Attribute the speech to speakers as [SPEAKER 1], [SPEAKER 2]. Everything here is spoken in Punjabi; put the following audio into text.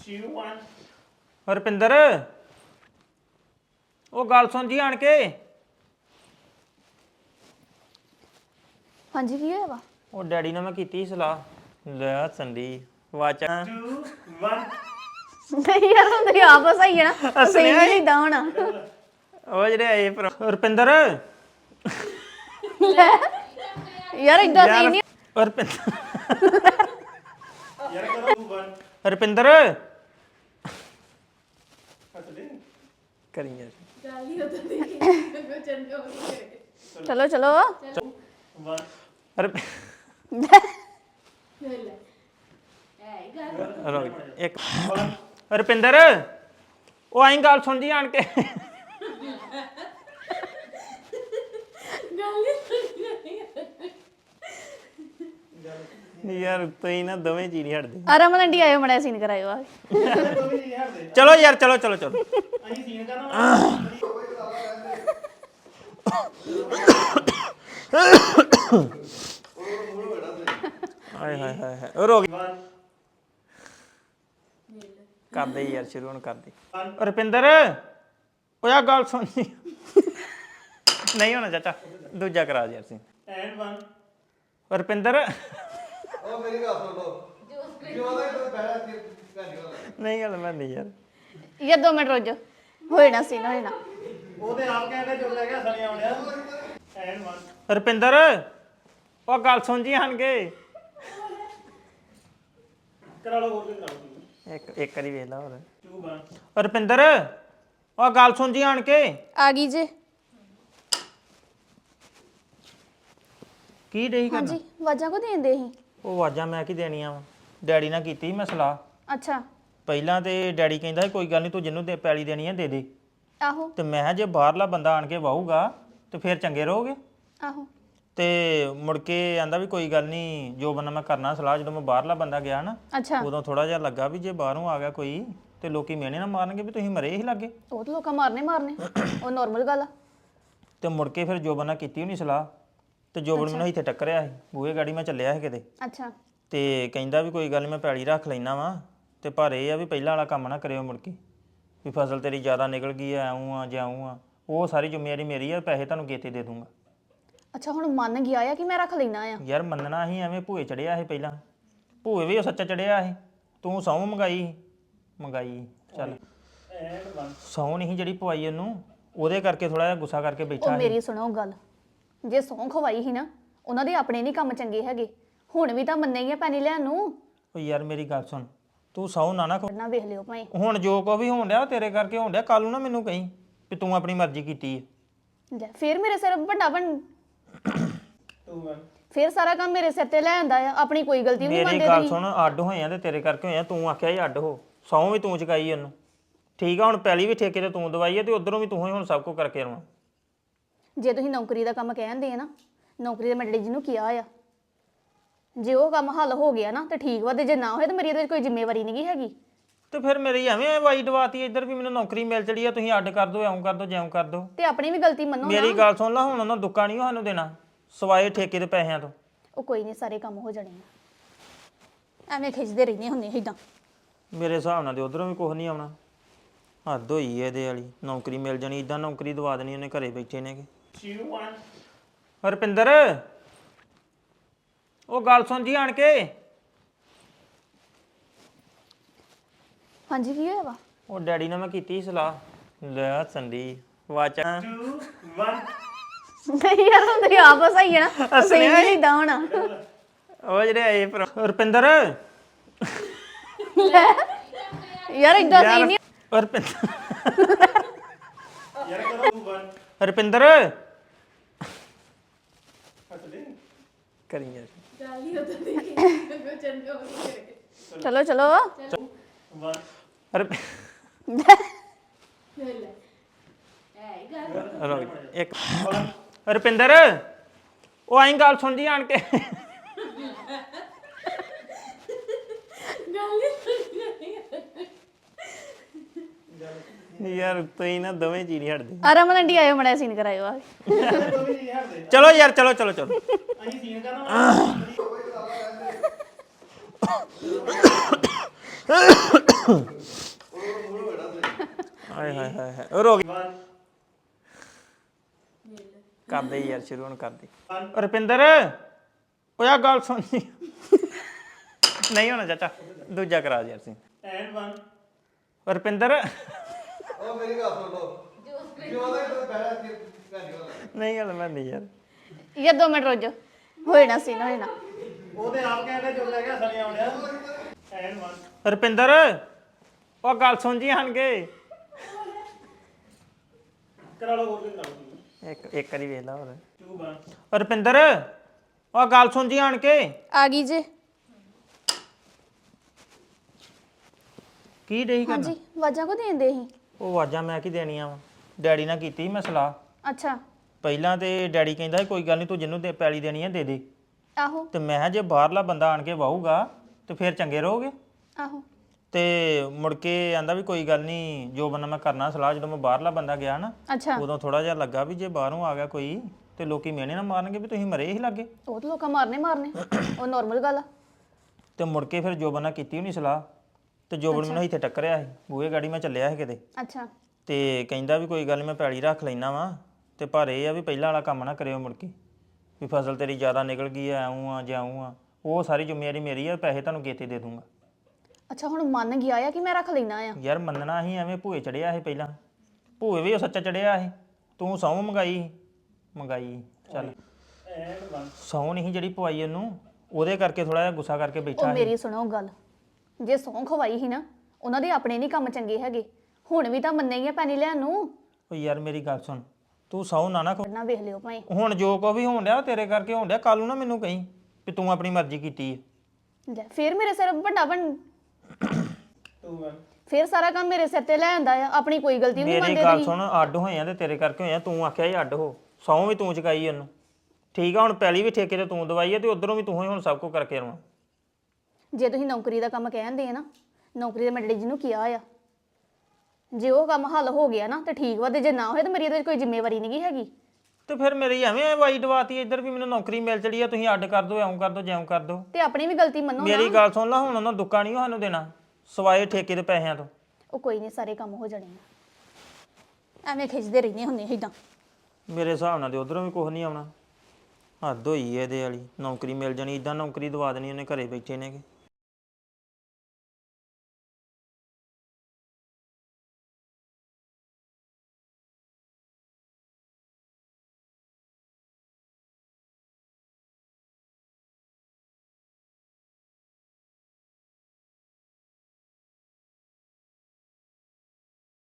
[SPEAKER 1] 2 1
[SPEAKER 2] ਹਰਪਿੰਦਰ ਉਹ ਗੱਲ ਸੁਣ ਜੀ ਆਣ ਕੇ
[SPEAKER 3] ਹਾਂਜੀ ਕੀ ਹੋਇਆ ਵਾ
[SPEAKER 2] ਉਹ ਡੈਡੀ ਨਾਲ ਮੈਂ ਕੀਤੀ ਸੀ ਸਲਾਹ ਲੈ ਸੰਦੀ ਵਾਚਾ
[SPEAKER 1] 2 1
[SPEAKER 3] ਨਹੀਂ ਯਾਰ ਹੁਣ ਤੇ ਆਪਸ ਆਈ ਹੈ ਨਾ ਸਹੀ ਨਹੀਂ ਇਦਾਂ ਹੋਣਾ
[SPEAKER 2] ਉਹ ਜਿਹੜੇ ਆਏ ਹਰਪਿੰਦਰ
[SPEAKER 3] ਯਾਰ ਇਦਾਂ ਸਹੀ ਨਹੀਂ
[SPEAKER 2] ਹਰਪਿੰਦਰ
[SPEAKER 1] ਯਾਰ ਕਰੋ 2 1
[SPEAKER 2] ਹਰਪਿੰਦਰ
[SPEAKER 1] ਹੱਥ ਦੇ
[SPEAKER 2] ਕਰੀ ਯਾਰ
[SPEAKER 3] ਚਲੋ ਚਲੋ
[SPEAKER 1] 1
[SPEAKER 2] ਹਰਪ- ਰੁਕ ਇੱਕ ਹਰਪਿੰਦਰ ਉਹ ਆਈ ਗੱਲ ਸੁਣ ਜੀ ਆਣ ਕੇ ਯਾਰ ਤੁਸੀਂ ਨਾ ਦੋਵੇਂ ਜੀ ਨਹੀਂ ਹਟਦੇ
[SPEAKER 3] ਆ ਰਮਨ ਆਂਟੀ ਆਇਓ ਮੜਾ ਸੀਨ ਕਰਾਇਓ ਆ
[SPEAKER 2] ਚਲੋ ਯਾਰ ਚਲੋ ਚਲੋ ਚਲੋ
[SPEAKER 1] ਅਸੀਂ ਸੀਨ ਕਰਨਾ
[SPEAKER 2] ਹਾਏ ਹਾਏ ਹਾਏ ਹਾਏ ਉਹ ਰੋ ਗਈ
[SPEAKER 1] 1
[SPEAKER 2] ਕਰਦੇ ਯਾਰ ਸ਼ੁਰੂ ਹੁਣ ਕਰਦੇ ਰੁਪਿੰਦਰ ਉਹ ਆ ਗੱਲ ਸੁਣ ਜੀ ਨਹੀਂ ਹੋਣਾ ਚਾਚਾ ਦੂਜਾ ਕਰਾ ਯਾਰ ਸੀ
[SPEAKER 1] ਐਂਡ 1
[SPEAKER 2] ਰੁਪਿੰਦਰ
[SPEAKER 4] ਉਹ ਮੇਰੀ ਗੱਲ ਸੁਣ ਲੋ ਜੋ ਦਾ ਇਹ ਬੈਠਾ ਸੀ
[SPEAKER 2] ਨਹੀਂ ਗੱਲ ਮੈਂ ਨਹੀਂ ਯਾਰ
[SPEAKER 3] ਯਾਰ 2 ਮਿੰਟ ਰੁਕ ਜਾ ਹੋਏ ਨਾ ਸੀਨ ਹੋਏ ਨਾ
[SPEAKER 1] ਉਹਦੇ ਆਪ ਕਹਿੰਦਾ ਜੋ ਲੈ ਗਿਆ ਸਣੀ ਆਉਂਦਿਆ ਐਂਡ 1
[SPEAKER 2] ਰੁਪਿੰਦਰ ਉਹ ਗੱਲ ਸੁਣ ਜੀ ਆਣਗੇ
[SPEAKER 1] ਕਰਾ ਲਓ ਹੋਰ ਵੀ ਕਰਾ ਲਓ
[SPEAKER 2] ਇੱਕ ਵਾਰੀ ਵੇਖ ਲਾ ਹੋਰ
[SPEAKER 1] 2 1
[SPEAKER 2] ਰੁਪਿੰਦਰ ਉਹ ਗੱਲ ਸੁਣ ਜੀ ਆਣ ਕੇ
[SPEAKER 3] ਆ ਗਈ ਜੇ
[SPEAKER 2] ਕੀ ਡਈ ਕਰਨਾ
[SPEAKER 3] ਹਾਂਜੀ ਵਾਜਾਂ ਕੋ ਦੇਂਦੇ ਸੀ
[SPEAKER 2] ਉਹ ਆਵਾਜ਼ਾਂ ਮੈਂ ਕੀ ਦੇਣੀਆਂ ਵਾ ਡੈਡੀ ਨਾਲ ਕੀਤੀ ਸੀ ਮੈਂ ਸਲਾਹ
[SPEAKER 3] ਅੱਛਾ
[SPEAKER 2] ਪਹਿਲਾਂ ਤੇ ਡੈਡੀ ਕਹਿੰਦਾ ਸੀ, ਕੋਈ ਗੱਲ ਨਹੀਂ ਤੂੰ ਜਿਹਨੂੰ ਦੇ ਪੈਲੀ ਦੇਣੀ ਹੈ ਦੇ ਦੇ
[SPEAKER 3] ਆਹੋ
[SPEAKER 2] ਤੇ ਮੈਂ ਕਿਹਾ ਜੇ ਬਾਹਰਲਾ ਬੰਦਾ ਆਣ ਕੇ ਵਾਹੂਗਾ ਤੇ ਫਿਰ ਚੰਗੇ ਰਹੋਗੇ
[SPEAKER 3] ਆਹੋ
[SPEAKER 2] ਤੇ ਮੁੜ ਕੇ ਆਂਦਾ ਵੀ ਕੋਈ ਗੱਲ ਨਹੀਂ ਜੋ ਬੰਦਾ ਮੈਂ ਕਰਨਾ ਸਲਾਹ ਜਦੋਂ ਮੈਂ ਬਾਹਰਲਾ ਬੰਦਾ ਗਿਆ ਨਾ
[SPEAKER 3] ਅੱਛਾ
[SPEAKER 2] ਉਦੋਂ ਥੋੜਾ ਜਿਹਾ ਲੱਗਾ ਵੀ ਜੇ ਬਾਹਰੋਂ ਆ ਗਿਆ ਕੋਈ ਤੇ ਲੋਕੀ ਮਿਹਣੇ ਨਾ ਮਾਰਨਗੇ ਵੀ ਤੁਸੀਂ ਮਰੇ ਹੀ ਲੱਗੇ
[SPEAKER 3] ਉਹ ਤਾਂ ਲੋਕਾਂ ਮਾਰਨੇ ਉਹ ਨਾਰਮਲ ਗੱਲ ਆ
[SPEAKER 2] ਤੇ ਮੁੜ ਕੇ ਫਿਰ ਜੋ ਬੰਦਾ ਕੀਤੀ ਹੋਣੀ ਸਲਾਹ ਤੇ ਜੋਬਨ ਮੈਨੂੰ ਇੱਥੇ ਟੱਕਰਿਆ ਸੀ ਬੂਹੇ ਗਾੜੀ ਮੈਂ ਚੱਲਿਆ ਸੀ ਕਿਤੇ
[SPEAKER 3] ਅੱਛਾ
[SPEAKER 2] ਤੇ ਕਹਿੰਦਾ ਵੀ ਕੋਈ ਗੱਲ ਨਹੀਂ ਮੈਂ ਪੈਲੀ ਰੱਖ ਲੈਣਾ ਵਾ ਤੇ ਪਰ ਇਹ ਆ ਵੀ ਪਹਿਲਾਂ ਵਾਲਾ ਕੰਮ ਨਾ ਕਰਿਓ ਮੁੜ ਕੇ ਵੀ ਫਸਲ ਤੇਰੀ ਜ਼ਿਆਦਾ ਨਿਕਲ ਗਈ ਐ ਆਉਂ ਆ ਜਾਉਂ ਆ ਉਹ ਸਾਰੀ ਜ਼ਿੰਮੇਵਾਰੀ ਮੇਰੀ ਆ ਪੈਸੇ ਤੁਹਾਨੂੰ ਗੇਤੇ ਦੇ ਦੂੰਗਾ
[SPEAKER 3] ਅੱਛਾ ਹੁਣ ਮੰਨ ਗਿਆ ਆ ਕਿ ਮੈਂ ਰੱਖ ਲੈਣਾ ਆ
[SPEAKER 2] ਯਾਰ ਮੰਨਣਾ ਸੀ ਐਵੇਂ ਭੂਏ ਚੜਿਆ ਸੀ ਪਹਿਲਾਂ ਭੂਏ ਵੀ ਉਹ ਸੱਚਾ ਚੜਿਆ ਸੀ ਤੂੰ ਸਹੁੰ ਮੰਗਾਈ ਚੱਲ
[SPEAKER 1] ਐਂਡ 1
[SPEAKER 2] ਸਹੁੰ ਨਹੀਂ ਜਿਹੜੀ ਪਵਾਈ ਉਹਨੂੰ ਉਹਦੇ ਕਰਕੇ ਥੋੜਾ ਜਿਹਾ ਗੁੱਸਾ ਕਰਕੇ
[SPEAKER 3] ਉਹ
[SPEAKER 2] ਬੈਠਾ ਸੀ
[SPEAKER 3] ਮੇਰੀ ਸੁਣੋ ਗੱਲ ਜੇ ਸੌਂ ਖਵਾਈ ਸੀ ਨਾ ਉਹਨਾਂ ਦੇ ਆਪਣੇ ਨਹੀਂ ਕੰਮ ਚੰਗੇ ਹੈਗੇ ਹੁਣ ਵੀ ਤਾਂ ਮੰਨੇ ਹੀ ਆ ਪੈਣੀ ਲੈਣ ਨੂੰ
[SPEAKER 2] ਉਹ ਯਾਰ ਮੇਰੀ ਗੱਲ ਸੁਣ ਤੂੰ ਸਹੁੰ ਨਾ
[SPEAKER 3] ਨਾ ਵੇਖ ਲਿਓ ਭਾਈ
[SPEAKER 2] ਹੁਣ ਜੋ ਕੋ ਵੀ ਹੋਣ ਡਿਆ ਉਹ ਤੇਰੇ ਕਰਕੇ ਹੋਣ ਡਿਆ ਕੱਲ ਨੂੰ ਨਾ ਮੈਨੂੰ ਕਹੀਂ ਵੀ ਤੂੰ ਆਪਣੀ ਮਰਜ਼ੀ ਕੀਤੀ ਹੈ
[SPEAKER 3] ਲੈ ਫੇਰ ਮੇਰੇ ਸਿਰ ਵੱਡਾ ਬਣ
[SPEAKER 1] 2 1
[SPEAKER 3] ਫੇਰ ਸਾਰਾ ਕੰਮ ਮੇਰੇ ਸਿਰ ਤੇ ਲੈ ਆਂਦਾ ਆ ਆਪਣੀ ਕੋਈ ਗਲਤੀ ਨਹੀਂ
[SPEAKER 2] ਮੇਰੀ
[SPEAKER 3] ਮੰਨਦੇ
[SPEAKER 2] ਗੱਲ
[SPEAKER 3] ਤੁਸੀਂ
[SPEAKER 2] ਸੁਣ ਅੱਡ ਹੋਏ ਆ ਤੇ ਤੇਰੇ ਕਰਕੇ ਹੋਏ ਆ ਤੂੰ ਆਖਿਆ ਸੀ ਅੱਡ ਹੋ ਸਹੁੰ ਵੀ ਤੂੰ ਚੁਕਾਈ ਉਹਨੂੰ ਠੀਕ ਆ ਹੁਣ ਪਹਿਲੀ ਵੀ ਠੇਕੇ ਤੇ ਤੂੰ ਦਵਾਈ ਹੈ ਤੇ ਉਧਰੋਂ ਵੀ ਤੂੰ ਹੀ ਹੁਣ ਸਭ ਕੁਝ ਕਰਕੇ ਆਉਣਾ
[SPEAKER 3] ਜੇ ਤੁਸੀਂ ਨੌਕਰੀ ਦਾ ਕੰਮ ਕਹਿੰਦੇ ਆ ਨਾ ਨੌਕਰੀ ਦੇ ਮੈਂ ਡੈਡੀ ਜੀ ਨੂੰ ਕਿਹਾ ਆ ਜੇ ਉਹ ਕੰਮ ਹੱਲ ਹੋ ਗਿਆ ਨਾ ਤੇ ਠੀਕ ਵਾ ਤੇ ਜੇ ਨਾ ਹੋਏ ਤਾਂ ਮੇਰੀ ਇਹਦੇ 'ਚ ਕੋਈ ਜ਼ਿੰਮੇਵਾਰੀ ਨਹੀਂ ਹੈਗੀ
[SPEAKER 2] ਤੇ ਫਿਰ ਮੇਰੀ ਐਵੇਂ ਵਾਈ ਦਵਾਤੀ ਇੱਧਰ ਵੀ ਮੈਨੂੰ ਨੌਕਰੀ ਮਿਲ ਚੜੀ ਆ ਤੁਸੀਂ ਅੱਡ ਕਰ ਦਿਓ ਐਂ ਕਰ ਦਿਓ ਜਿਉਂ ਕਰ ਦਿਓ
[SPEAKER 3] ਤੇ ਆਪਣੀ ਵੀ ਗਲਤੀ ਮੰਨੋ
[SPEAKER 2] ਮੇਰੀ
[SPEAKER 3] ਨਾ
[SPEAKER 2] ਗੱਲ ਸੁਣ ਲਾ ਹੁਣ ਉਹਨਾਂ ਦੁੱਕਾ ਨਹੀਂ ਸਾਨੂੰ ਦੇਣਾ ਸਵਾਏ ਠੇਕੇ ਦੇ ਪੈਸਿਆਂ ਤੋਂ
[SPEAKER 3] ਉਹ ਕੋਈ ਨਹੀਂ ਸਾਰੇ ਕੰਮ ਹੋ ਜਾਣੇ ਆ ਐਵੇਂ ਖਿੱਚਦੇ ਰਹਿੰਦੇ ਹੁੰਦੇ ਇਦਾਂ
[SPEAKER 2] ਮੇਰੇ ਹਿਸਾਬ ਨਾਲ ਤੇ ਉਧਰੋਂ ਵੀ ਕੁਝ ਨਹੀਂ ਆਉਣਾ ਹੱਦ ਹੋਈ ਇਹਦੇ ਵਾਲੀ ਨੌਕਰੀ ਮਿਲ ਜਾਣੀ ਇਦਾਂ ਨੌਕਰੀ ਦਵਾ ਦੇਣੀ ਉਹਨੇ ਘਰੇ ਬੈਠੇ ਨੇਗੇ
[SPEAKER 1] 2 1
[SPEAKER 2] ਹਰਪਿੰਦਰ ਉਹ ਗੱਲ ਸੁਣ ਜੀ ਆਣ ਕੇ
[SPEAKER 3] ਹਾਂਜੀ ਕੀ ਹੋਇਆ ਵਾ
[SPEAKER 2] ਉਹ ਡੈਡੀ ਨਾਲ ਮੈਂ ਕੀਤੀ ਸੀ ਸਲਾਹ ਲੈ ਸੰਦੀ ਵਾਚਾ
[SPEAKER 1] 2 1
[SPEAKER 3] ਨਹੀਂ ਯਾਰ ਹੁਣ ਤੇ ਆਪਸ ਆਈ ਹੈ ਨਾ ਸਹੀ ਨਹੀਂ ਇਦਾਂ ਹੋਣਾ
[SPEAKER 2] ਉਹ ਜਿਹੜੇ ਆਏ ਹਰਪਿੰਦਰ
[SPEAKER 3] ਯਾਰ ਇਦਾਂ ਸਹੀ ਨਹੀਂ
[SPEAKER 2] ਹਰਪਿੰਦਰ
[SPEAKER 1] ਯਾਰ ਕਰੋ 2 1
[SPEAKER 2] ਹਰਪਿੰਦਰ
[SPEAKER 1] ਹੱਥ ਦੇ
[SPEAKER 2] ਕਰੀ ਯਾਰ
[SPEAKER 3] ਚਲੋ ਚਲੋ
[SPEAKER 1] 1
[SPEAKER 2] ਹਰਪ ਇੱਕ ਹਰਪਿੰਦਰ ਉਹ ਆਈ ਗੱਲ ਸੁਣ ਜੀ ਆਣ ਕੇ ਯਾਰ ਤੁਸੀਂ ਨਾ ਦੋਵੇਂ ਜੀ ਨਹੀਂ ਹਟਦੇ
[SPEAKER 3] ਆ ਰਮਨ ਆਂਟੀ ਆਇਓ ਮੜਾ ਸੀਨ ਕਰਾਇਓ ਆ
[SPEAKER 2] ਚਲੋ ਯਾਰ ਚਲੋ ਚਲੋ ਚਲੋ
[SPEAKER 1] ਅਸੀਂ ਸੀਨ ਕਰਨਾ
[SPEAKER 2] ਹਾਏ ਹਾਏ ਹਾਏ ਹਾਏ ਉਹ ਰੋ ਗਿਆ
[SPEAKER 1] 1
[SPEAKER 2] ਕਰਦੇ ਯਾਰ ਸ਼ੁਰੂ ਹੁਣ ਕਰਦੇ ਰੁਪਿੰਦਰ ਓਏ ਆ ਗੱਲ ਸੁਣ ਨਹੀਂ ਹੋਣਾ ਚਾਚਾ ਦੂਜਾ ਕਰਾ ਯਾਰ ਸੀ
[SPEAKER 1] ਐਂਡ 1
[SPEAKER 2] ਰੁਪਿੰਦਰ
[SPEAKER 4] ਉਹ ਮੇਰੀ ਗੱਲ ਸੁਣ ਲਓ ਜੋ ਦਾ ਬੈਠਾ ਕਿ
[SPEAKER 2] ਨਹੀਂ ਗੱਲ ਮੈਂ ਨਹੀਂ ਯਾਰ
[SPEAKER 3] ਯਾ 2 ਮਿੰਟ ਰੁਕ ਜਾ ਹੋਏ ਨਾ ਸੀ ਨਾ ਹੋਏ ਨਾ
[SPEAKER 1] ਉਹਦੇ ਆਪ ਕਹਿੰਦੇ ਜੋ ਲੈ ਗਿਆ ਸਣੀ ਆਉਂਦੇ ਐਂਡ 1
[SPEAKER 2] ਰੁਪਿੰਦਰ ਉਹ ਗੱਲ ਸੁਣ ਜੀ ਹਣ ਕੇ
[SPEAKER 1] ਕਰਾ ਲਓ ਹੋਰ ਵੀ ਕਰਾ ਲਓ
[SPEAKER 2] ਇੱਕ ਵਾਰੀ ਵੇਖ ਲਾ ਹੋਰ
[SPEAKER 1] 2 1
[SPEAKER 2] ਰੁਪਿੰਦਰ ਉਹ ਗੱਲ ਸੁਣ ਜੀ ਹਣ ਕੇ
[SPEAKER 3] ਆ ਗਈ ਜੇ
[SPEAKER 2] ਕੀ ਡਈ ਕਰਨਾ
[SPEAKER 3] ਹਾਂਜੀ ਵਾਜਾਂ ਕੋ ਦੇਂਦੇ ਸੀ
[SPEAKER 2] ਉਹ ਆਵਾਜ਼ਾਂ ਮੈਂ ਕੀ ਦੇਣੀਆਂ ਵਾ ਡੈਡੀ ਨਾਲ ਕੀਤੀ ਸੀ ਮੈਂ ਸਲਾਹ
[SPEAKER 3] ਅੱਛਾ
[SPEAKER 2] ਪਹਿਲਾਂ ਤੇ ਡੈਡੀ ਕਹਿੰਦਾ ਸੀ ਕੋਈ ਗੱਲ ਨਹੀਂ ਤੂੰ ਜਿਹਨੂੰ ਪੈਲੀ ਦੇਣੀ ਹੈ ਦੇ ਦੇ
[SPEAKER 3] ਆਹੋ
[SPEAKER 2] ਤੇ ਮੈਂ ਕਿਹਾ ਜੇ ਬਾਹਰਲਾ ਬੰਦਾ ਆਣ ਕੇ ਵਾਹੂਗਾ ਤੇ ਫਿਰ ਚੰਗੇ ਰਹੋਗੇ
[SPEAKER 3] ਆਹੋ
[SPEAKER 2] ਤੇ ਮੁੜ ਕੇ ਆਂਦਾ ਵੀ ਕੋਈ ਗੱਲ ਨਹੀਂ ਜੋ ਬੰਦਾ ਮੈਂ ਕਰਨਾ ਸਲਾਹ ਜਦੋਂ ਮੈਂ ਬਾਹਰਲਾ ਬੰਦਾ ਗਿਆ ਨਾ
[SPEAKER 3] ਅੱਛਾ
[SPEAKER 2] ਉਦੋਂ ਥੋੜਾ ਜਿਹਾ ਲੱਗਾ ਵੀ ਜੇ ਬਾਹਰੋਂ ਆ ਗਿਆ ਕੋਈ ਤੇ ਲੋਕੀ ਮਿਹਣੇ ਨਾ ਮਾਰਨਗੇ ਵੀ ਤੁਸੀਂ ਮਰੇ ਹੀ ਲੱਗੇ
[SPEAKER 3] ਉਹ ਤਾਂ ਲੋਕਾਂ ਮਾਰਨੇ ਉਹ ਨਾਰਮਲ ਗੱਲ ਆ
[SPEAKER 2] ਤੇ ਮੁੜ ਕੇ ਫਿਰ ਜੋ ਬੰਦਾ ਕੀਤੀ ਹੋਣੀ ਸਲਾਹ ਤੇ ਜੋਬਨ ਮੈਨੂੰ ਇੱਥੇ ਟੱਕਰਿਆ ਸੀ ਬੂਹੇ ਗਾੜੀ ਮੈਂ ਚੱਲਿਆ ਸੀ ਕਿਤੇ
[SPEAKER 3] ਅੱਛਾ
[SPEAKER 2] ਤੇ ਕਹਿੰਦਾ ਵੀ ਕੋਈ ਗੱਲ ਨਹੀਂ ਮੈਂ ਪੈਲੀ ਰੱਖ ਲੈਣਾ ਵਾ ਤੇ ਪਰ ਇਹ ਆ ਵੀ ਪਹਿਲਾਂ ਵਾਲਾ ਕੰਮ ਨਾ ਕਰਿਓ ਮੁੜ ਕੇ ਵੀ ਫਸਲ ਤੇਰੀ ਜ਼ਿਆਦਾ ਨਿਕਲ ਗਈ ਐ ਆਉਂ ਆ ਜਾਉਂ ਆ ਉਹ ਸਾਰੀ ਜ਼ਿੰਮੇਵਾਰੀ ਮੇਰੀ ਆ ਪੈਸੇ ਤੁਹਾਨੂੰ ਗੇਤੇ ਦੇ ਦੂੰਗਾ
[SPEAKER 3] ਅੱਛਾ ਹੁਣ ਮੰਨ ਗਿਆ ਆ ਕਿ ਮੈਂ ਰੱਖ ਲੈਣਾ ਆ
[SPEAKER 2] ਯਾਰ ਮੰਨਣਾ ਸੀ ਐਵੇਂ ਭੂਏ ਚੜਿਆ ਸੀ ਪਹਿਲਾਂ ਭੂਏ ਵੀ ਉਹ ਸੱਚਾ ਚੜਿਆ ਸੀ ਤੂੰ ਸਹੁੰ ਮੰਗਾਈ ਚੱਲ
[SPEAKER 1] ਐਂਡ 1
[SPEAKER 2] ਸਹੁੰ ਨਹੀਂ ਜਿਹੜੀ ਪਵਾਈ ਉਹਨੂੰ ਉਹਦੇ ਕਰਕੇ ਥੋੜਾ ਜਿਹਾ ਗੁੱਸਾ ਕਰਕੇ
[SPEAKER 3] ਉਹ
[SPEAKER 2] ਬੈਠਾ ਸੀ
[SPEAKER 3] ਮੇਰੀ ਸੁਣੋ ਗੱਲ ਜੇ ਸੌਂ ਖਵਾਈ ਸੀ ਨਾ ਉਹਨਾਂ ਦੇ ਆਪਣੇ ਨਹੀਂ ਕੰਮ ਚੰਗੇ ਹੈਗੇ ਹੁਣ ਵੀ ਤਾਂ ਮੰਨੇ ਹੀ ਆ ਪੈਣੀ ਲੈਣ ਨੂੰ
[SPEAKER 2] ਉਹ ਯਾਰ ਮੇਰੀ ਗੱਲ ਸੁਣ ਤੂੰ ਸਹੁੰ ਨਾ
[SPEAKER 3] ਨਾ ਵੇਖ ਲਿਓ ਭਾਈ
[SPEAKER 2] ਹੁਣ ਜੋ ਕੋ ਵੀ ਹੋਣ ਡਿਆ ਉਹ ਤੇਰੇ ਕਰਕੇ ਹੋਣ ਡਿਆ ਕੱਲ ਨੂੰ ਨਾ ਮੈਨੂੰ ਕਹੀਂ ਵੀ ਤੂੰ ਆਪਣੀ ਮਰਜ਼ੀ ਕੀਤੀ ਹੈ
[SPEAKER 3] ਲੈ ਫੇਰ ਮੇਰੇ ਸਿਰ ਵੱਡਾ ਬਣ
[SPEAKER 1] 2 1
[SPEAKER 3] ਫੇਰ ਸਾਰਾ ਕੰਮ ਮੇਰੇ ਸਿਰ ਤੇ ਲੈ ਆਂਦਾ ਆ ਆਪਣੀ ਕੋਈ ਗਲਤੀ ਵੀ ਨਹੀਂ
[SPEAKER 2] ਮੇਰੀ
[SPEAKER 3] ਮੰਨਦੇ
[SPEAKER 2] ਗੱਲ
[SPEAKER 3] ਤੁਸੀਂ
[SPEAKER 2] ਸੁਣ ਅੱਡ ਹੋਏ ਆ ਤੇ ਤੇਰੇ ਕਰਕੇ ਹੋਏ ਆ ਤੂੰ ਆਖਿਆ ਸੀ ਅੱਡ ਹੋ ਸਹੁੰ ਵੀ ਤੂੰ ਚੁਕਾਈ ਉਹਨੂੰ ਠੀਕ ਆ ਹੁਣ ਪਹਿਲੀ ਵੀ ਠੇਕੇ ਤੇ ਤੂੰ ਦਵਾਈ ਹੈ ਤੇ ਉਧਰੋਂ ਵੀ ਤੂੰ ਹੀ ਹੁਣ ਸਭ ਕੁਝ ਕਰਕੇ ਆਉਣਾ
[SPEAKER 3] ਜੇ ਤੁਸੀਂ ਨੌਕਰੀ ਦਾ ਕੰਮ ਕਹਿੰਦੇ ਆ ਨਾ ਨੌਕਰੀ ਦਾ ਮੈਂ ਡੈਡੀ ਜੀ ਨੂੰ ਕਿਹਾ ਆ ਜੇ ਉਹ ਕੰਮ ਹੱਲ ਹੋ ਗਿਆ ਨਾ ਤੇ ਠੀਕ ਵਾ ਤੇ ਜੇ ਨਾ ਹੋਏ ਤਾਂ ਮੇਰੀ ਇਹਦੇ ਵਿੱਚ ਕੋਈ ਜ਼ਿੰਮੇਵਾਰੀ ਨਹੀਂ ਹੈਗੀ
[SPEAKER 2] ਤੇ ਫਿਰ ਮੇਰੀ ਐਵੇਂ ਵਾਈ ਦਵਾਤੀ ਇੱਧਰ ਵੀ ਮੈਨੂੰ ਨੌਕਰੀ ਮਿਲ ਚੜੀ ਆ ਤੁਸੀਂ ਅੱਡ ਕਰ ਦਿਓ ਐਂ ਕਰ ਦਿਓ ਜਿਉਂ ਕਰ ਦਿਓ
[SPEAKER 3] ਤੇ ਆਪਣੀ ਵੀ ਗਲਤੀ ਮੰਨੋ ਨਾ
[SPEAKER 2] ਮੇਰੀ ਗੱਲ ਸੁਣ ਲੈ ਹੁਣ ਉਹਨਾਂ ਦੁੱਕਾ ਨਹੀਂ ਸਾਨੂੰ ਦੇਣਾ ਸਵਾਏ ਠੇਕੇ ਦੇ ਪੈਸਿਆਂ ਤੋਂ
[SPEAKER 3] ਉਹ ਕੋਈ ਨਹੀਂ ਸਾਰੇ ਕੰਮ ਹੋ ਜਾਣੇ ਆ ਐਵੇਂ ਖਿੱਚਦੇ ਰਹਿੰਦੇ ਹੁੰਦੇ ਇਦਾਂ
[SPEAKER 2] ਮੇਰੇ ਹਿਸਾਬ ਨਾਲ ਤੇ ਉਧਰੋਂ ਵੀ ਕੁਝ ਨਹੀਂ ਆਉਣਾ ਹੱਦ ਹੋਈ ਐ ਇਹਦੇ ਵਾਲੀ ਨੌਕਰੀ ਮਿਲ ਜਾਣੀ ਇਦਾਂ ਨੌਕਰੀ ਦਵਾ ਦੇਣੀ ਉਹਨੇ ਘਰੇ ਬੈਠੇ ਨੇਗੇ